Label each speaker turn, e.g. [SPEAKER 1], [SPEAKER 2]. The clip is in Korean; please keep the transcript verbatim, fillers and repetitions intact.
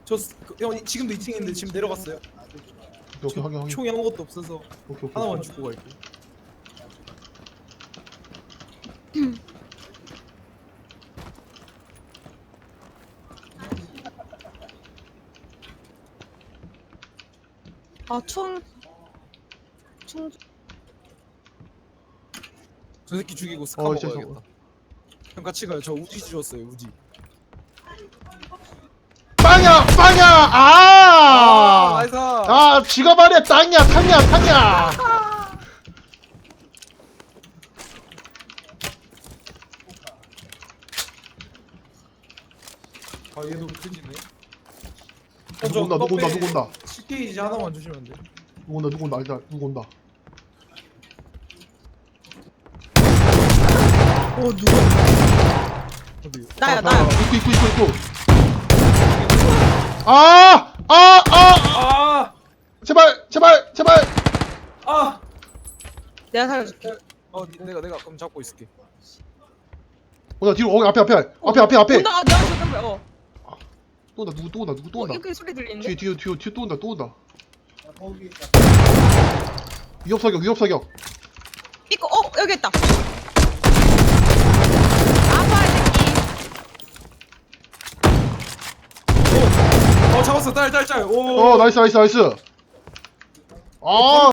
[SPEAKER 1] 저 스- 그, 형 지금도 이 층에 있는데 지금 내려갔어요.
[SPEAKER 2] 오케이 오케이 확인 확인.
[SPEAKER 1] 총이 아무것도 없어서
[SPEAKER 2] 오케이 오케이.
[SPEAKER 1] 하나만 주고 갈게.
[SPEAKER 3] 아, 총. 총.
[SPEAKER 1] 저 새끼 죽이고 스카
[SPEAKER 2] 어,
[SPEAKER 1] 먹어야겠다. 형 같이 가요. 저 우지 주웠어요. 우지.
[SPEAKER 2] 빵야 빵야
[SPEAKER 1] 아,
[SPEAKER 2] 아.
[SPEAKER 1] 나이스.
[SPEAKER 2] 아 지가 말이야 땅이야 탕이야 탕이야.
[SPEAKER 1] 아 얘도 던지네.
[SPEAKER 2] 누구 온다 누구 온다 누구 온다
[SPEAKER 1] 십 게이지 하나만 주시면 안 돼.
[SPEAKER 2] 누구 온다 누구 온다 일단 누구 온다.
[SPEAKER 1] 어 누구? 어디?
[SPEAKER 3] 나야,
[SPEAKER 2] 아,
[SPEAKER 3] 나야.
[SPEAKER 2] 입구 입구 입구 입구. 아아아 아, 아,
[SPEAKER 1] 아!
[SPEAKER 2] 제발 제발 제발.
[SPEAKER 1] 아!
[SPEAKER 3] 내가 살려줄게.
[SPEAKER 1] 어 내가 내가 그럼 잡고 있을게.
[SPEAKER 2] 온다 뒤로 어 앞에 앞에 앞에 앞에 앞에.
[SPEAKER 3] 온다, 내가 죽은 거야. 어.
[SPEAKER 2] 또 온다 누구 또 온다 누구 또
[SPEAKER 3] 어,
[SPEAKER 2] 온다.
[SPEAKER 3] 이렇게 소리 들리는데?
[SPEAKER 2] 뒤에 뒤에 뒤에 뒤에 또 온다 또 온다. 위협 사격 위협 사격.
[SPEAKER 3] 이거, 어, 여기 있다. 아빠, 이 새끼.
[SPEAKER 1] 어 잡았어. 딸 딸 딸. 오.
[SPEAKER 2] 어 나이스 나이스 나이스. 아